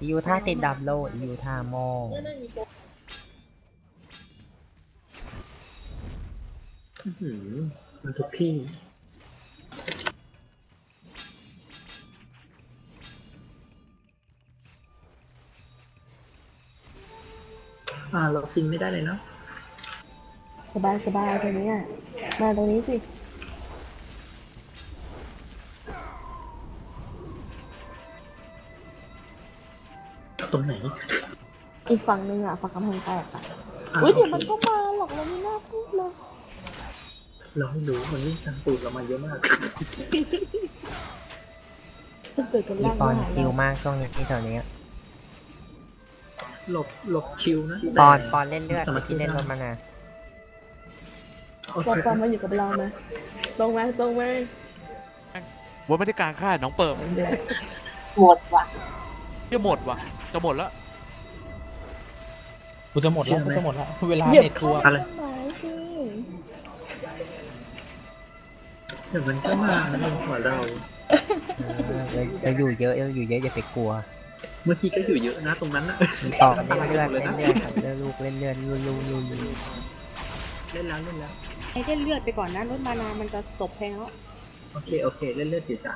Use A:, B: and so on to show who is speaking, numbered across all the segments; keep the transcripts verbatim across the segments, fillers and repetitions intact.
A: ยูท่าติดดับโลยูท่าโมง
B: มันทุกที่อ่าเราฟิงไม่ได้เลยเนาะ
C: สบายสบายตรงนี้อ่ะมาตรงนี้สิ
B: ตรงไหน
C: อีกฝั่งนึงอ่ะฝั่งกำแพงแตกอ่ะอุ้ยเดี๋ยวมันก็มาหรอกเราไม่น่าพูดเลย
B: เราไม่รู้มันวิ่งตามตูดเรามาเยอะมาก
C: เกิดกัน
A: อี
C: ล่าง
A: ปอน
C: มา
A: ชิลมากช่วงนี้ที่แถวนี้
B: หลบหลบชิวนะ
A: ปอนปอนเล่นเลือดที่เล่นรถมานะ
C: ปอนปอนมาอยู่กับเราไหมตรงไหมตรงไหม
D: ว่าไม่ได้การฆ่าน้องเปิม
C: หมดว่ะ
D: จะหมดว่ะจะหมดแล้ว
E: กูจะหมดแล้วกูจะหมดแล้วเวลาเน็ตทัวร์
C: อะไร
B: เดี๋ยวมันก็มาในหัวเรา
A: เราอยู่เยอะเราอยู่เยอะอย่าไปกลัว
B: เมื่อกี้ก็อยู่เยอะนะตรงนั้นนะ
A: ต่อเล่นเลือดเล่นเลือดเล่นลูกเล่นเลือดลูลูลูลู
B: เล่นแล้วเล่นแล้ว
C: ไอ้เล่นเลือดไปก่อนนะรถมานามันจะตบแพงแล้ว
B: โอเคโอเคเล่นเลือดจีจ้า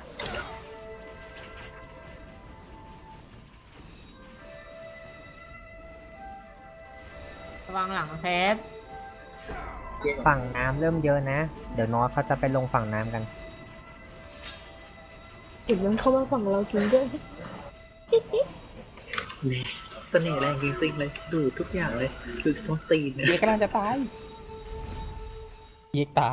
F: ระวังหลังเซฟ
A: ฝั่งน้ำเริ่มเยอะนะเดี๋ยวน้อยเขาจะไปลงฝั่งน้ำกัน
C: ถึงมันเข้ามาฝั่งเราจริงด้วย
B: เสน่ห์แรงจริงๆเลยดูทุกอย่างเลยดูสปอนตีน
E: เอกกำลังจะตายเอกตาย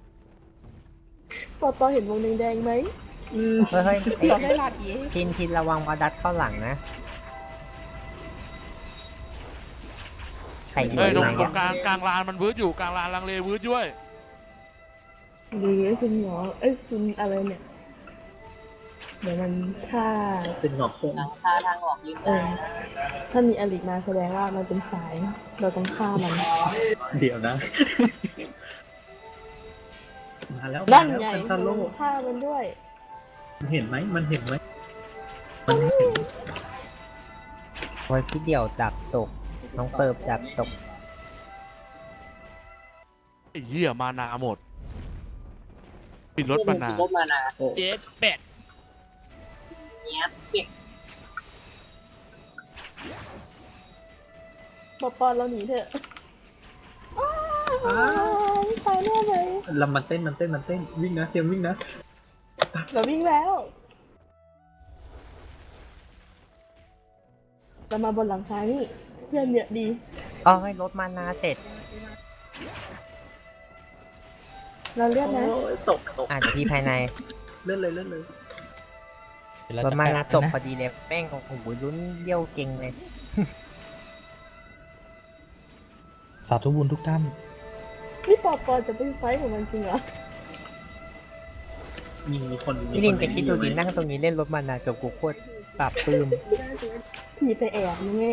C: ปอปอเห็นวงแดงๆไหม
A: เฮ้ยเฮ้ย
E: เราได้ลาดเอ
A: ทินทินระวังมาดัดเข้าหลังนะ
D: เฮ้ยตรงตรงกลางกลางลานมันวืดอยู่กลางลานลังเลวืดด้วย
C: ดีไอ้ซุนหงอเอ้ยซุนอะไรเนี่ยเดี๋ยวมันถ้า
B: ซึ่งหงอกโค้ง
F: ทาทางออกยืนได้
C: ถ้ามีอลิมาแสดงว่ามันเป็นสายเราต้องฆ่ามัน
B: เดี๋ยวนะมาแล้ว
C: นั่นไงฆ่ามันด้วย
B: มันเห็นไหมมันเห็นไหมมันเห็น
A: ไว้ที่เดี่ยวจับตกน้องเปิบจับตก
D: ไอ้เหี้ยมานาหมดปิดรถมานา
F: รถมานา
D: เจ็ดเป็ด
F: เนี้ยเป็ด
C: ปอปอเราหนีเถอะตายแน่เลย
B: ลำมันเต้นมันเต้นมันเต้นวิ่งนะเตรียมวิ่งนะ
C: เราวิ่งแล้วเรามาบนหลังคานี่เพื่อนเยอะดี
A: อ๋อให้รถมานาเสร็จ
C: เราเลื่อนนะ
B: ตกตก
A: อ่านที่ภายใน
B: เลื่อนเลยเลื่อนเลย
A: รถมานาจบพอดีเลยแป้งของผมลุ้นเยี่ยวเก่งเลย
E: สาธุบุญทุกท่าน
C: นี่ปอปอจะไปไฟของมันจริงเหรอ
B: มีคน
A: พี่ลินไปคิดดูดินั่งตรงนี้เล่นรถมานาจบกูโคตรปราบปลื้ม
C: ผีไปแอบไง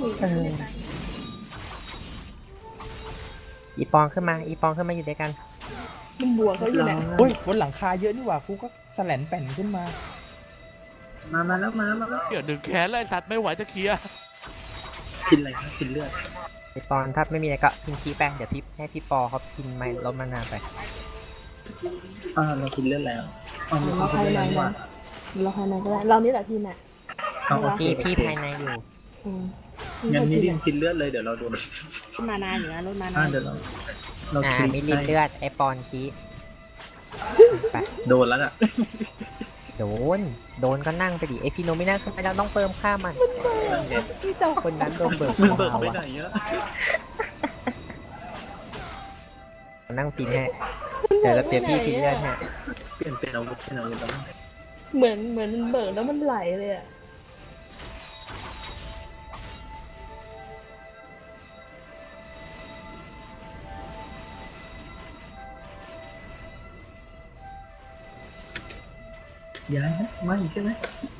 A: อีปองขึ้นมาอีปองขึ้นมาอยู่ด้วยกัน
C: มันบวกเขาอยู่แหละ
E: โอ้ยบนหลังคาเยอะนี่หว่ากูก็แสลนแป่นขึ้นมา
B: มามาแล้วมามาแล้ว
D: เดี๋ยวหนึ่งแขนไล่สัตว์ไม่ไหวจะเคลียร์
B: กินอะไรครับกินเลือด
A: ไอปอนถ้าไม่มีอะไรก็พิงคีแป้งเดี๋ยวพี่ให้พี่ปอเขากินไม้รถมานาไป
B: อ่าเรากินเลือดแล้ว
C: เราภายในนะเราภายในก็ได้เรานี่แหละพี่น่ะ
A: พี่พี่ภายในอยู่
B: งั้นมิลินกินเลือดเลยเดี๋ยวเราโดน
C: มานาอยู่นะรถมานา
B: เดี๋ยวเราเรา
A: อ่ามิลินเลือดไอปอนคี
B: ไปโดนแล้วอ่ะ
A: โดนโดนก็นั่งไปดิไอพี่โนไม่นั่งขึ้นไปแล้วต้องเติมค่ามันคนนั้นโดนเบิก
B: มันเบิกไปไหนเยอะ
A: นั่งฟินให้เดี๋ยวเราเปลี่ยนพี่ฟินเลือดฮะ
B: เปลี่ยนเป็นอาวุธเป็นอาวุธแล้ว
C: เหมือนเหมือนมันเบิกแล้วมันไหลเลยอ่ะ
B: ย้ายนะไม่ใช่ไหม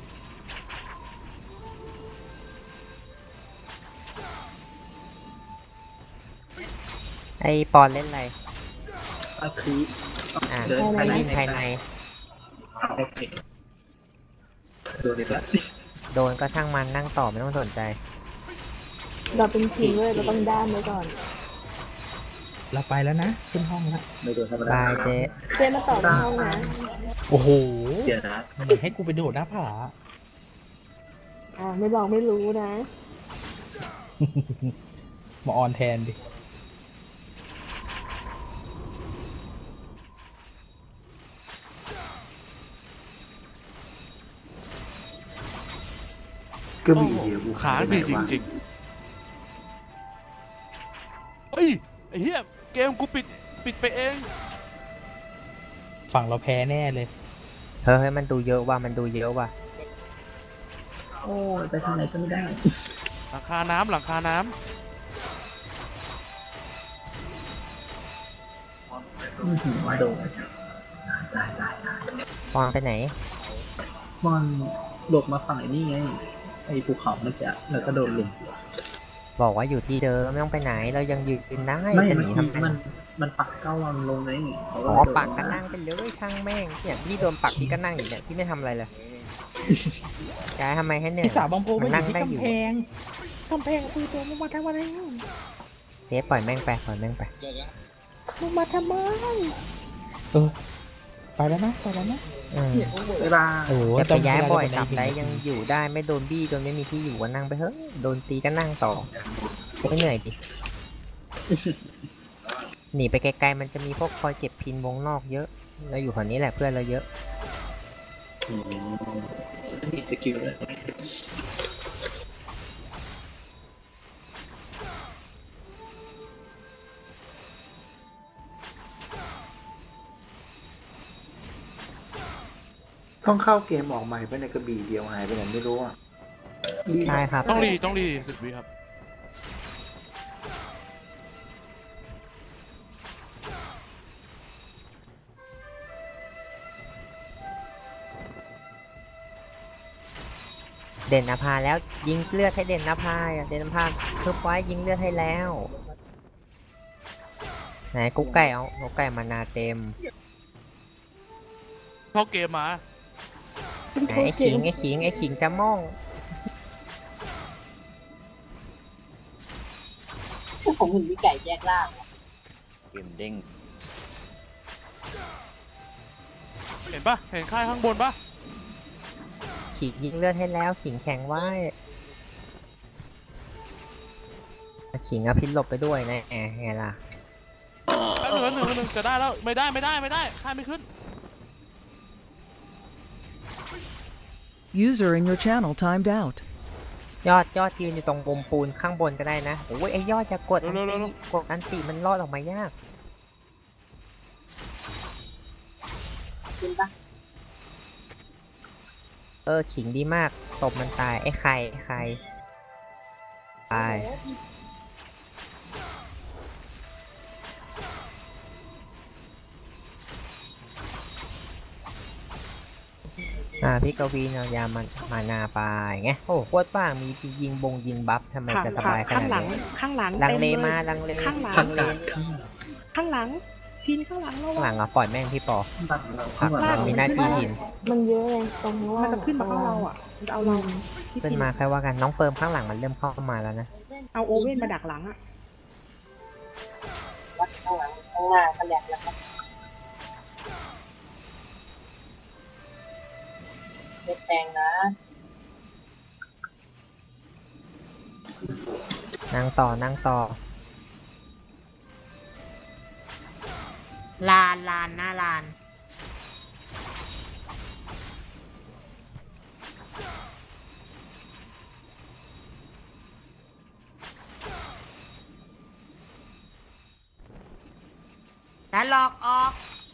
A: ไอปอนเล่นอะไร
B: อาคี
A: อ่าเดินภายในภายใน
B: โดนอีกแล้ว
A: โดนก็ช่างมันนั่งต่อไม่ต้องสนใจ
C: เราเป็นทีมเลยเราต้องด้ามไว้ก่อน
E: เราไปแล้วนะ ขึ้นห้องแล้ว
B: ไม่โดนธรรมดา
A: บายเจ๊
C: เจ๊มาต่อในห้องนะ
E: โอ้โห
B: เดี๋ยวนะ
E: เหมือนให้กูไปโดดหน้าผา
C: อ่าไม่บอกไม่รู้นะ
E: มาออนแทนดิ
B: ก็มีเดียว
D: ขาบีจริงๆเฮ้ยไอ้เหี้ยเกมกูปิดปิดไปเอง
E: ฝั่งเราแพ้แน่เลย
A: เฮ้ยมันดูเยอะว่ะมันดูเยอะว่ะ
B: โอ้ยไปทางไหนก็ไม่ได้
D: หลังคาน้ำหลังคาน้
B: อือหือมาโดน
A: มองไปไหน
B: มันหลบมาฝั่งไอ้นี่ไงไอ้ภูเขาเมื่อกี้แล้วก็โดนลุม
A: บอกว่าอยู่ที่เดิมไม่ต้องไปไหนเรายังยืนได้
B: ไม่
A: จะห
B: มัน
A: นีทำไม
B: มันมันปักเก้าวังลงไงเขา
A: อ๋อ
B: โดด
A: ปักก็นั่งไปเลยช่างแม่งเนี่ยพี่โดนปักพี่ก็นั่งอยู่เนี่ยพี่ไม่ทำอะไรเลยย้ายทำไมให้เหนื่อย
E: พี่สาวบางโพมันอยู่ที่
A: ได้
E: กำแพงกำแพงคือตัวมันมาทำอะไร
A: เจ๊ปล่อยแม่งไปปล่อยแม่งไป
C: มึงมาทำไม
E: เออ ไปแล้วนะ ไปแล้วนะ
A: อืม
B: เวลา
E: โอ้โห
A: แต่ไปย้ายบ่อย
E: จำ
A: ตับ
E: ม่
A: ไร
E: ด้
A: ยังอยู่ได้ไม่โดนบี้โดนไม่มีที่อยู่ก็นั่งไปเฮ้ยโดนตีก็นั่งต่อไม่เหนื่อยดิ หนีไปไกลๆมันจะมีพวกคอยเก็บพินวงนอกเยอะเราอยู่แถวนี้แหละเพื่อนเราเยอะ
B: อืมมีสกิลเลยต้องเข้าเกมออกใหม่ไปในกระบี่เดียวหายไปไหนไม่รู้อ่ะ
A: ใช่ครับ
D: ำต้องรีต้องรีสิบวิครับ
A: เด่นนภาแล้วยิงเลือดให้เด่นนภาอ่ะเด่นนภาทุบไว้ยิงเลือดให้แล้วไหนกุ๊กไก่เอากุ๊กไก่มานาเต็ม
D: เข้าเกมมา
A: ไหนไอ้ขิงไอ้ขิงไอ้ขิงจะม่อง
F: ผมเห็นพี่ไก่แยกล่าง
G: เกมเด้ง
D: เห็นปะเห็นค่ายข้างบนปะ
A: ขิงยิงเลือดให้แล้วขิงแข็งไว้ขิงเอาพิษหลบไปด้วยนะแหมไงล่ะ
D: แป๊บนึงแป๊บนึงแป๊บนึงจะได้แล้วไม่ได้ไม่ได้ไม่ได้ค่ายไม่ขึ้น
H: User in your channel timed out.
A: ยอดยอดยืนอยู่ตรงมุมปูนข้างบนก็ได้นะโอ้ยไอ้ยอดจะกดอัน
D: เร็วๆ
A: ติ
D: เร็ว
A: กดอันติมันรอดออกมายาก
F: จริงปะ
A: เออขิงดีมากตบมันตายไอ้ไข่ไอ้ไข่ตายอ่าพี่กวีนเอายามันมานาไปไงโอ้โคตรบ้างมีที่ยิงบงยิงบัฟทำไมจะสบายข
C: ข้า
A: นาด
C: งหลัง
A: นี้
C: ข้างหลัง
A: ลังเล
C: ต็
A: มาลังเล
C: ข้างหลัง
A: ลังเล
C: ข้างหลังทีนข้างหลังเรา
A: ข้างหลังอ่ะปล่อยแม่งพี่ปอ
B: ตัดเรา
A: ผัก
B: ข้างหลัง
A: มันมีหน้าที่หิน
C: มันเยอะไงตรงว่ามันจะขึ้นมาข้างเราอ่ะมันเอาเรา
A: ขึ้นมาใครว่ากันน้องเฟิร์มข้างหลังมันเริ่มเข้ามาแล้วนะ
C: เอาโอเว่นมาดักหลังอ่ะ
F: วัดข้างหลังข้างหน้าก็แหลกแล้วครับเล็กแปลงนะ
A: นั่งต่อนั่งต่อ
F: ลานลานหน้าลานแล้วหลอกออก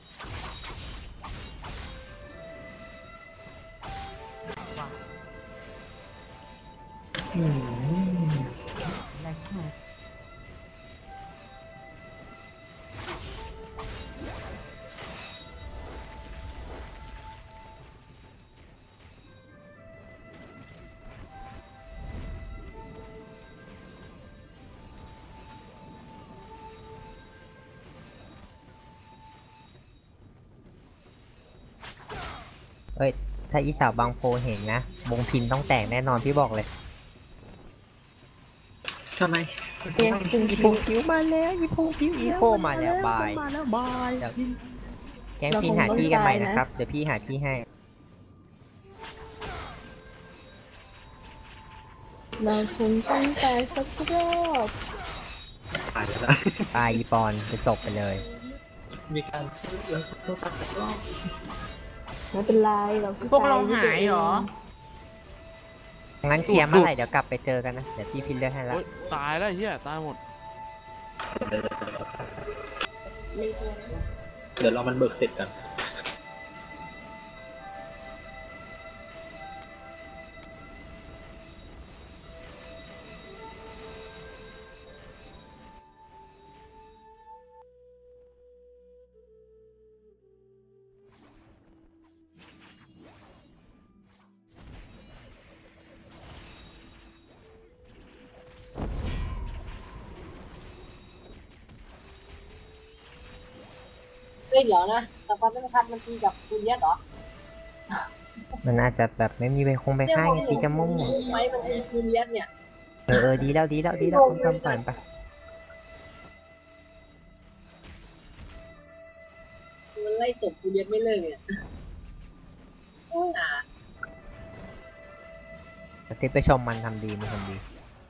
B: อืม
A: เอ้ยถ้าอีสาวบางโพเห็นนะบงพินต้องแตกแน่นอนพี่บอกเลย
B: ทำไม
C: เพียงจริง
A: อีพงผิวมาแล้วอีพงผิวอีโคมาแล้วบาย
C: มาแล้วบาย
A: เดี๋ยวแกงพินหาที่กันใหม่นะครับเดี๋ยวพี่หาที่ให้
C: เราคงต้องแต่สักรอบ
B: ตายแล้ว
A: ตายอีปอนจะจบไปเลย
B: มีการแล้วต้องตัดอีกรอบ
C: ไม่เป็นไรเรา
F: พวกเราหายเหรอ
A: งั้นเคลียร์เมื่อไหร่เดี๋ยวกลับไปเจอกันนะ เดี๋ยวพี่พินเลือกให้ละ
D: โอ๊ยตายแล้วเฮียตายหมด
B: เดี๋ยวเรามันเบิกเสร็จกัน
I: เฮ้ยเดี๋ยวนะแต่ความต้องทัดมันตีกับคุณเลียสเหรอ
A: มันอาจจะแบบไม่มีไปคงไปค่ายไงตีจะมุ่ง
I: ไหมมันตีคุณเลียสเนี่ย
A: เออเออดีแล้วดีแล้วดีแล้วต้องทำก่อนไป
I: มันไล่ตบคุณเลียสไม่เลิกเนี่ยโอ้ยอ่ะ
A: ซิปไปชมมันทำดีมันทำดี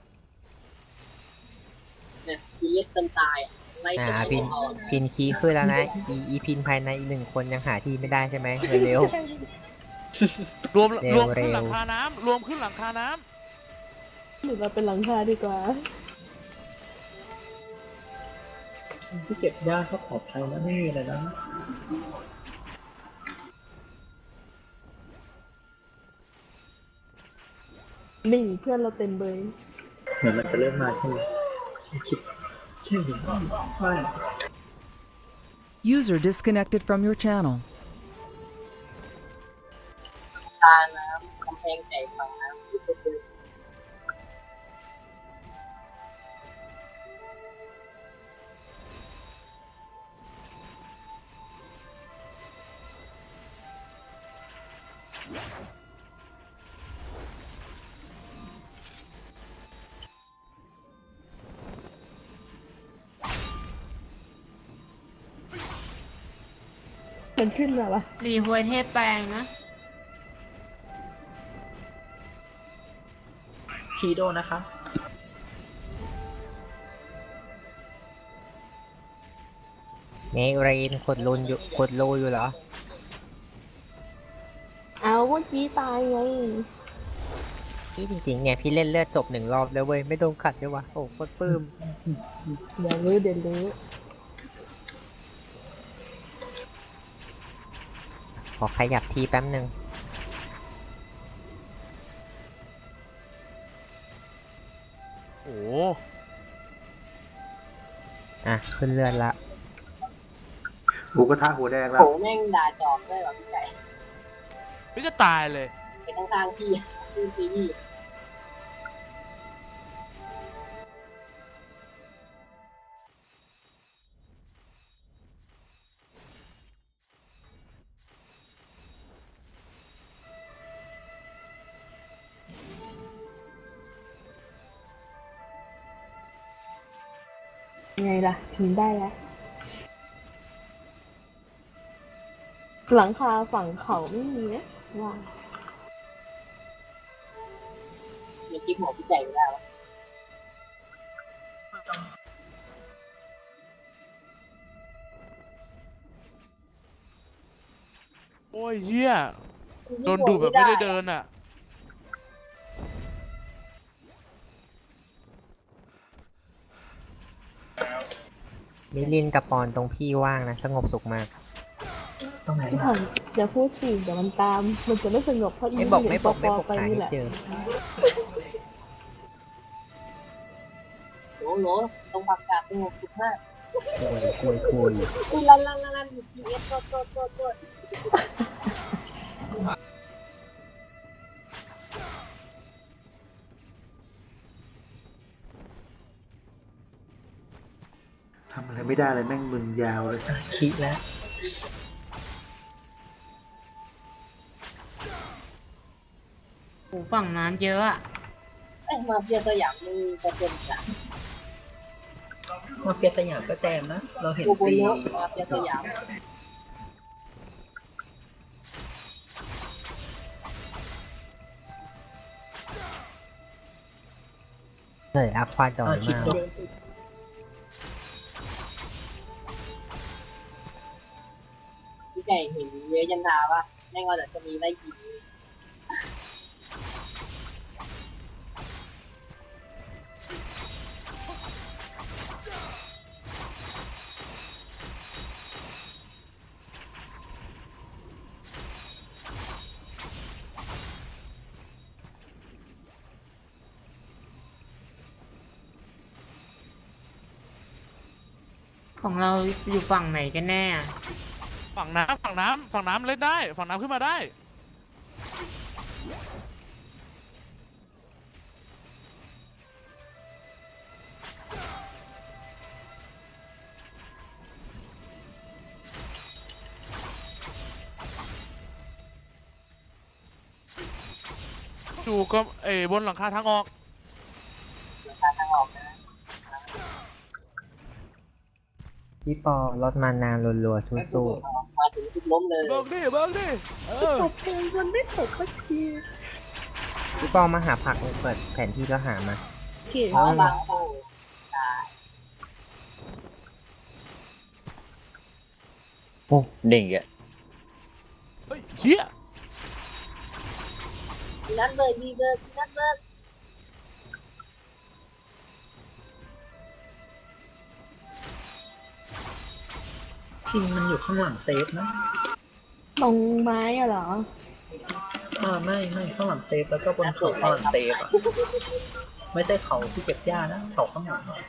I: เนี่ยคุณเลียสจนตายอ่ะไล่ต
A: อ่า
I: บ
A: พิน
I: เขา
A: พินคีย์ขึ้นแล้วนะอีอีพินภายในอีกหนึ่งคนยังหาที่ไม่ได้ใช่ไหมเร็ว
D: รวม
A: เร็ว
D: รวมขึ้น
A: เร็ว
D: หลังคาน้ำรวมขึ้นหลังคาน้
C: หรือเราเป็นหลังคาดีกว่า
B: ที่เก็บยากก็ปลอดภัยนะไม่มีอะไรนะ
C: นี่เพื่อนเราเต็มเบย
B: เหมือนมันจะเริ่มมาใช่ไหมคิดใช่หรือไม่
H: User disconnected from your channel.
I: ตาน้ำกำแพงใจฝั่งน้ำที่เป็นเลย
C: มันขึ้นมาปะ
F: รีหวยเทพแปลงนะ
B: คีโดนะคะ
A: ๆเมเรนขดลุนอยู่ขดรูอยู่เหรอ
C: เอาเมื่อกี้ตายไง
A: พี่จริงๆเนี่ยพี่เล่นเลือดจบหนึ่งรอบแล้วเว้ยไม่โดนขัดด้วยวะโอ้โคตรปลื้ม
C: เดี๋ยวรู้เดี๋ยวรู้
A: ขอขยับทีแป๊บหนึ่ง
D: ำโอ้
A: อ่ะขึ้นเลือดละ
J: หมูกระทะหัวแดงแล้
I: โห
J: ว
I: แม่งด่าจอบได้หรอพี่ไก่
D: ไม่จะตายเลย
I: เป็นทางๆที่ที่ซีรีส์
C: ยังไงล่ะถึงได้แล้วหลังคาฝั่งเขาไม่มีนะว่า
I: ยังกิ๊กหมอพี่ไก่ไม่ได้วะ
D: โอ้ยเฮียโดนดูดแบบไม่ได้เดินอ่ะ
A: มิลินกับปอนตรงพี่ว่างนะสงบสุขมาก
B: ต้องไหน
C: พี่ผ่อนอย่าพูดสิเดี๋ยวมันตาม มันจะไม่สงบเพราะอี
A: ไม่บอก
C: เห็น
A: ไม่บอก
C: ป
A: ไม่
C: อ
A: บอก
C: ไป
A: หา
C: นี่
A: ให้
C: แหละ
A: เจอ
I: โหลโหลตรงปากกาสงบสุดมาก
A: คุยคุยคุย
I: อุ้ยลันลันลันลันอยู่ทีเอสโตโตโตโต
J: ทำอะไรไม่ได้เลยแม่งมึนยาวเลย
B: คิดแล้ว
F: โอ้ฝั่งน้ำเยอะอะ
I: เอ้ยมาเฟียสยามมันมีเปอร์เซ็นต์จ้ะ
B: มาเฟียสยามก็แจมนะ เราเห็น
I: โอโบ
B: ปี
I: โนะมาเฟียสยาม
A: เลยอัพควาจอย
B: คิด
A: มาก
B: ดู
I: พี่ไก่เห็นเวยันทาป่ะแม่งเอาแต่จะมีไล่ยิง
F: ของเราอยู่ฝั่งไหนกันแน่อะ
D: ฝั่งน้ำฝั่งน้ำฝั่งน้ำเล่นได้ ฝั่งน้ำขึ้นมาได้ ดูก็เอ้บนหลังคาทางออก
A: พี่ปอลดมานานรัวๆสู้
I: มาถึงทุกล้มเลย
D: เบิกดิ เบิกดิ เออ
C: ตกเพลงมันไม่ตกสักที
A: ๆพี่ปอมาหาผักเปิดแผนที่แล้วหามา
C: เก่ง
I: เพราะบางโอ้
G: โอ้เด้งอีกอ่ะ
D: เฮ้ยเฮีย
I: ที่นั่นเลยดีเลยที่นั่นเลย
B: คิงมันอยู่ข้างหลังเซฟนะ
C: ตรงไม้อะเหรอ
B: อ่าไม่ไม่ข้างหลังเซฟแล้วก็บนเขาข้างหลังเซฟอ่ะ ไม่ใช่เขาที่เก็บหญ้านะเขาข้างหลังอะ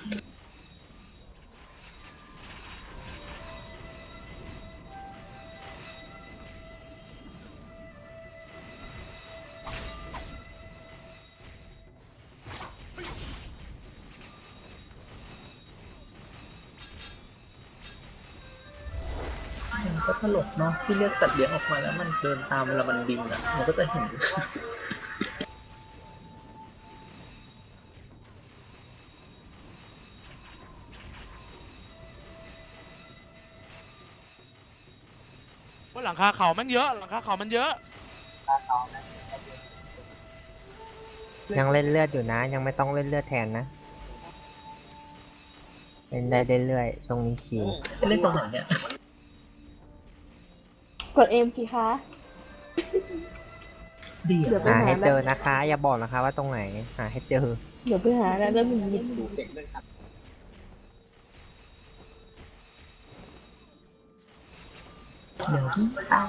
B: มันก็ตลกเนาะที่เรียกสัตว์เลี้ยงออกมาแล้วมันเดินตามเวลามันบินอ่ะมันก็จะเห็น
D: บนหลังคาเขาแม่งเยอะ หลังคาเขามันเยอะ
A: ยังเล่นเลือดอยู่นะ ยังไม่ต้องเล่นเลือดแทนนะ เล่นได้เรื่อยๆช่วงนี้ชิว
B: เล่นตรงไหนเนี่ย
C: กดเอ็มสิคะ
B: ดี
C: เดี๋ยว
B: อ่ะ
A: หาให้เจอนะคะ อย่าบอกนะคะว่าตรงไหน หาให้เจอ
C: เดี๋ยวไปหาแล้วแล้วมันยิบ
I: เด็กเลยครับ
B: เดี๋ยวตาย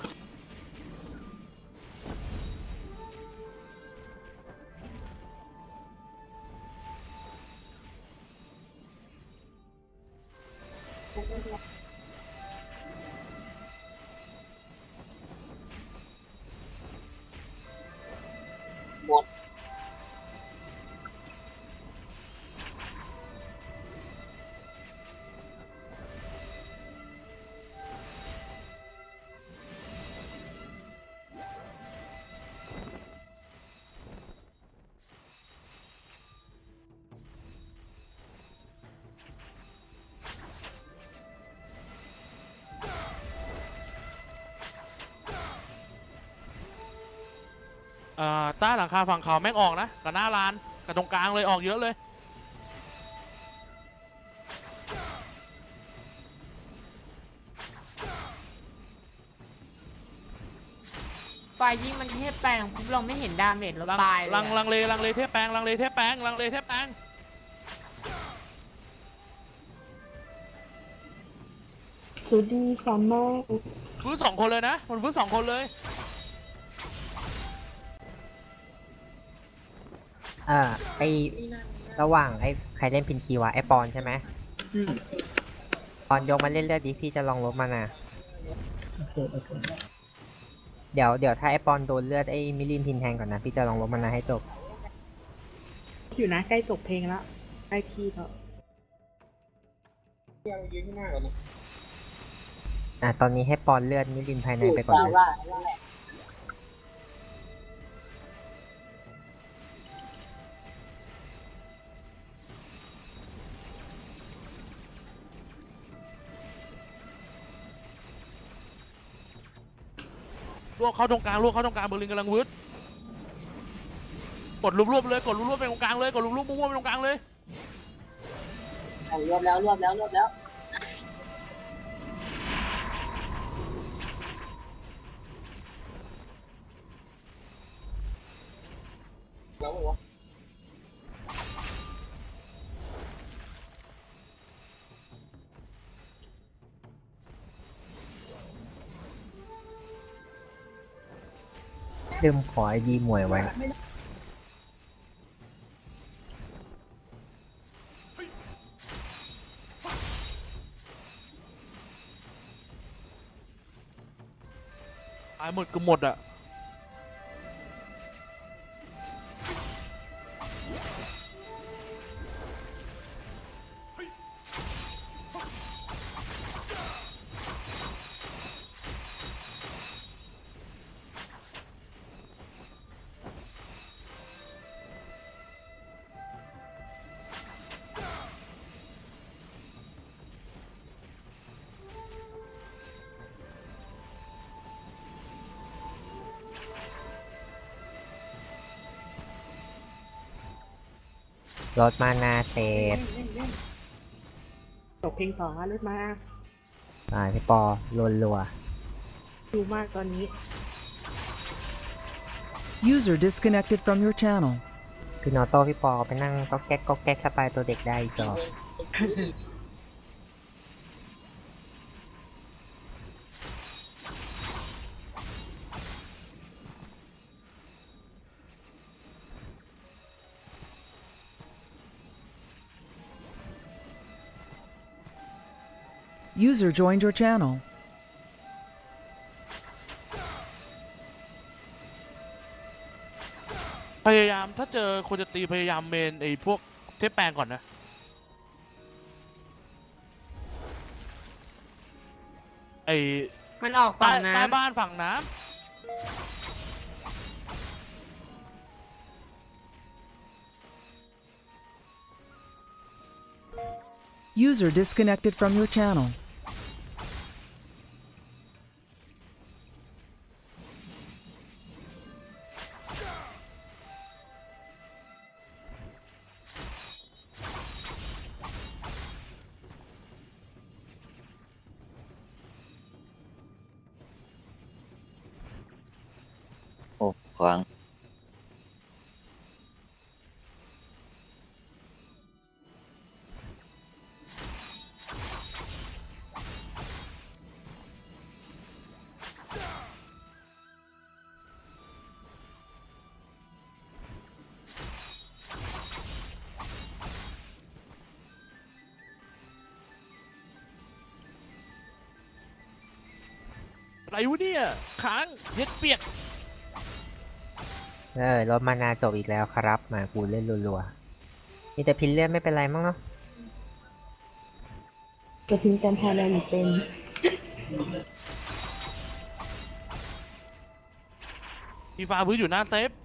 I: หมด
D: เอ่อใต้หลังคาฝั่งเขาแม่งออกนะ กับหน้าลาน กับตรงกลางเลยออกเยอะเลย
F: ไฟยิ่งมันเทพแปลงปุ๊บเราไม่เห็นดาเมจเรา
D: ลัง
F: ตายเลย
D: ลังลั
F: อะ
D: งเลลังเลเทพแปลงลังเลเทพแปลงลังเลเทพแปลง
C: สุดีซัมเมอร์
D: พื้นสองคนเลยนะ มันพื้นสองคนเลย
A: เออไอระหว่างไอใครเล่นพินคีวะไอปอนใช่ไหม
B: อืม
A: ปอนยกมาเล่นเลือดดิพี่จะลองลบมานะ
B: โอเคโอเค
A: เดี๋ยวเดี๋ยวถ้าไอปอนโดนเลือดไอมิลินพินแทงก่อนนะ พี่จะลองลบมานะให้จบ
C: อยู่นะใกล้จบเพลงแล้วใกล้ที่แล้ว
A: อ่ะตอนนี้ให้ปอนเลือดมิลินภายในไปก่อน
I: ดา
A: เลย
I: ร่านั่นแหละ
D: ลวกเข้าตรงกลางลวกเข้าตรงกลางเบอร์ลินกำลังวืดกดรวบๆเลยกดรวบๆไปตรงกลางเลยกดรวบๆมั่วๆไปตรงกลางเลย
I: เอารวบแล้วรวบแล้วรวบแล้วแล้ววะ
A: เดิมขอไอดีมวยไว้
D: ตายหมดก็หมดอ่ะ
A: รถมานาเสร็จ
C: จบเพลงสองรถมา
A: ตายพี่ปอรัวรัว
C: ดูมากตอนนี้
H: User disconnected from your channel.
A: พี่นอโต้พี่ปอไปนั่งก็แก๊กก็แก๊กสไตล์ตัวเด็กได้อีกจอ
H: User joined your channel.
D: พยายามถ้าเจอคนจะตีพยายามเมนไอ้พวกเทปแปลงก่อนนะไอ้
F: มันออก
D: ใต้
F: ฝั่ง
D: ใต้
F: น้ำ
D: บ้านฝั่งน้
H: User disconnected from your channel.
G: โอ้ขวาง
D: ำอะไรวะเนี่ยค้างเย็ดเปียก
A: เออรถมานาจบอีกแล้วครับ มากูเล่นรัวๆมีแต่พินเลียนไม่เป็นไรมั้งเนาะ
C: จะทิ้งกันพาแลนเป็น
D: ทีฟ้าพื้นอยู่หน้าเซฟ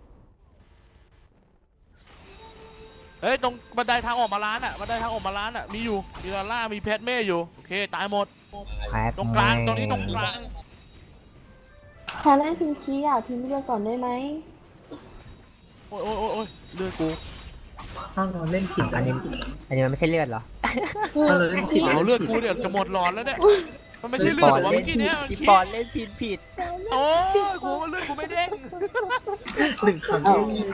D: เฮ้ยตรงบันไดทางออกมาร้านอ่ะบันไดทางออกมาร้านอ่ะมีอยู่มีลาล่ามีแพทเม่อยู่โอเคตายหมด
A: แพท
D: ตรงกลาง
A: แม่
D: ตรงนี้ตรงกลาง
C: พาแลนทิ้งชี้อ่ะทิ้งเรือก่อนได้ไหม
D: โอ้ยโอ้ยโอ้ยโอ้ยเลือดกู
B: ถ้าเราเล่นผิด
A: อันนี้อันนี้มันไม่ใช่เลือดเหรอ
B: ถ้าเราเล่นผิด
D: เอาเลือดกูเนี่ยจะหมดหลอดแล้วเนี่ยมันไม่ใช่เลือดหรอวะเมื่อกี้เนี้ยมัน
A: พี่
D: ขี้
A: ปอนเล่นผิดผิด
D: โอ้ยกูมันเลือดกูไม่เด้ง
B: หนึ่งคำ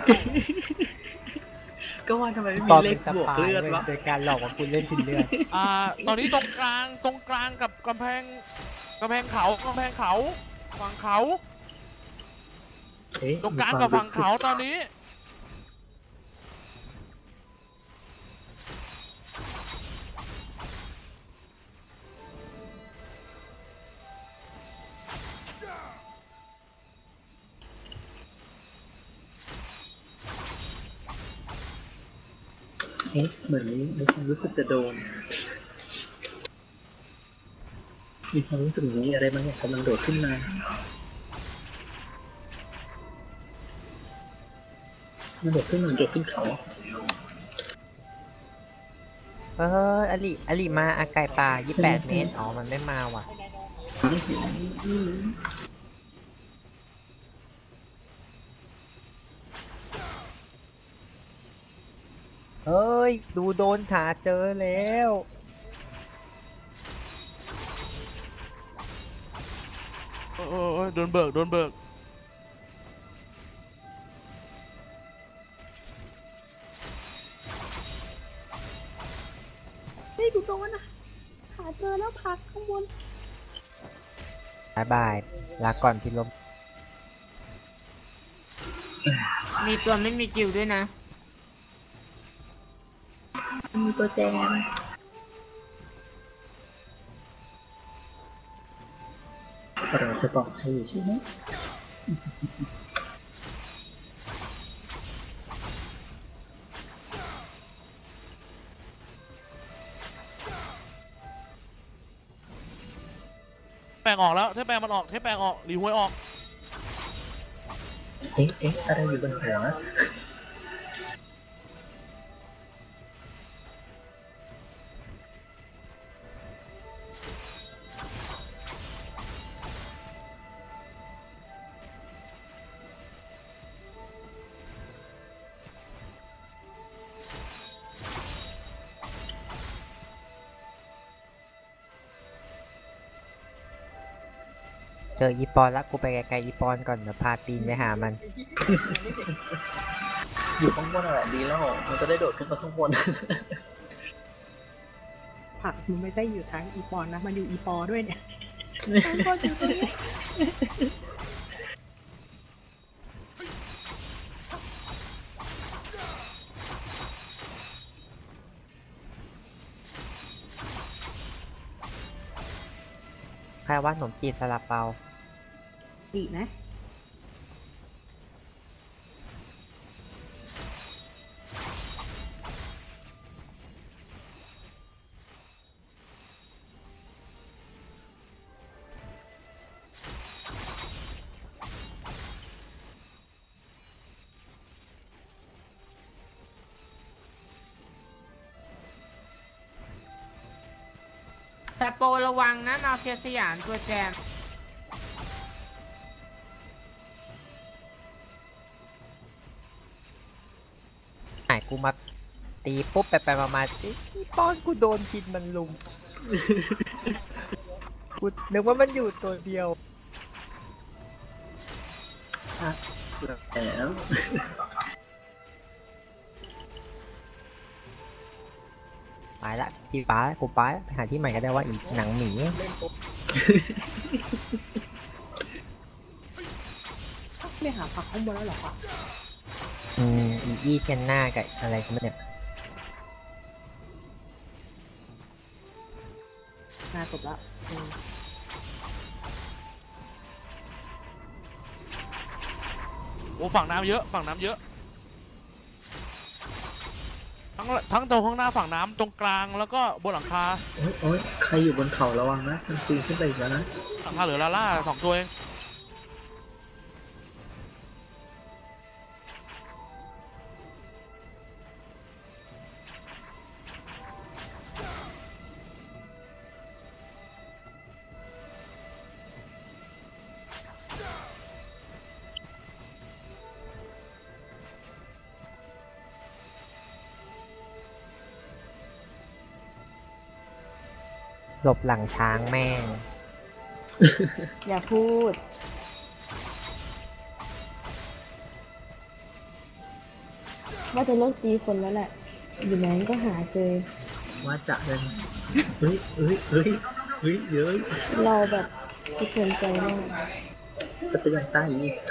B: ก็ว่าทำไมไม่
A: ป
B: มี
A: อน
B: เล
A: เป็
B: ข
A: นส
B: บวก
A: ปาย
B: เลือด
A: เว้ยว
B: ะ
A: โดยการหลอกว่าคุณเล่นผิดเลือด
D: อ่าตอนนี้ตรงกลางตรงกลางกับกำแพงกำแพงเขากำแพงเขาฝั่งเขา
B: เอ๊ะ
D: ตรงกลางกับฝั่งเขาตอนนี้
B: เอ๊ะเหมือนมีความรู้สึกจะโดน มีความรู้สึกอย่างนี้อะไรบางอย่างกำลังโดดขึ้นมา มันโดดขึ้นมันโดดขึ้นเขา
A: เอออลิอลิมาอาไก่ป่ายี่สิบแปดเมตรอ๋อมันไม่มาว่ะเอ้ย ดูโดนขาเจอแล้ว
D: เออเออเออโดนเบิกโดนเบิก
C: เฮ้ยกูโดนอะขาเจอแล้วพักข้างบน
A: บายบาย ลาก่อนพี่ลม
F: มีตัวไม่มีจิวด้วยนะ
B: มีตัวแจมเราจะบอกให้อยู่ใช่ไหม
D: แปลงออกแล้วเทปแปลงมันออกเทปแปลงออกรีหวยออก
B: เอ๊ะเอ๊ะอะไรอยู่บนหัว
A: เจออีปอนแล้วกูไปไกลๆอีปอนก่อนเดี๋ยวพาตีนไปหามัน
B: อยู่ข้างบนอะไรดีแล้วมันจะได้โดดขึ้นมาข้างบน
C: ผักมันไม่ได้อยู่ทั้งอีปอนนะ มันอยู่อีปอด้วยเนี่ยทั้งคนอยู่ตรงนี้
A: ใครว่าขนมจีนซาลาเปา
C: อีกนะ
F: สโประวังนะมาเฟียสยามตัวแจม
A: หายกูมาตีปุ๊บไปไปมามาอีปอนกูโดนกินมันลุม กูนึกว่ามันอยู่ตัวเดียว
B: แล้ว
A: ไปละที่ป้ากูป้าไปหาที่ใหม่ก็ได้ว่าอีกหนังหมี
C: ไม่หาผักข้างบนแล้วหรอคะ
A: อืมอีอีเทนหน้ากับอะไรกันเนี่ย
C: น่าจบแล้วอืม
D: โอ้ฝั่งน้ำเยอะฝั่งน้ำเยอะทั้งทั้งตรงข้างหน้าฝั่งน้ำตรงกลางแล้วก็บนหลังคา
B: โอ๊ยโอ๊ยใครอยู่บนเขาระวังนะมันปีนขึ้นไปอีกแล้วนะ
D: หลังคาเหลือลาล่าสองตัวเอง
A: หลบหลังช้างแม่ง
C: อย่าพูด ว่าจะเลิกตีคนแล้วแหละ อยู่ไหนก็หาเจอ
B: ว่าจะเลยเฮ้ยเฮ้ยเฮ้ยเฮ้ยเยอะ
C: เราแบบสะเทือนใจมาก
B: จะเป็นอย่างใต้อีก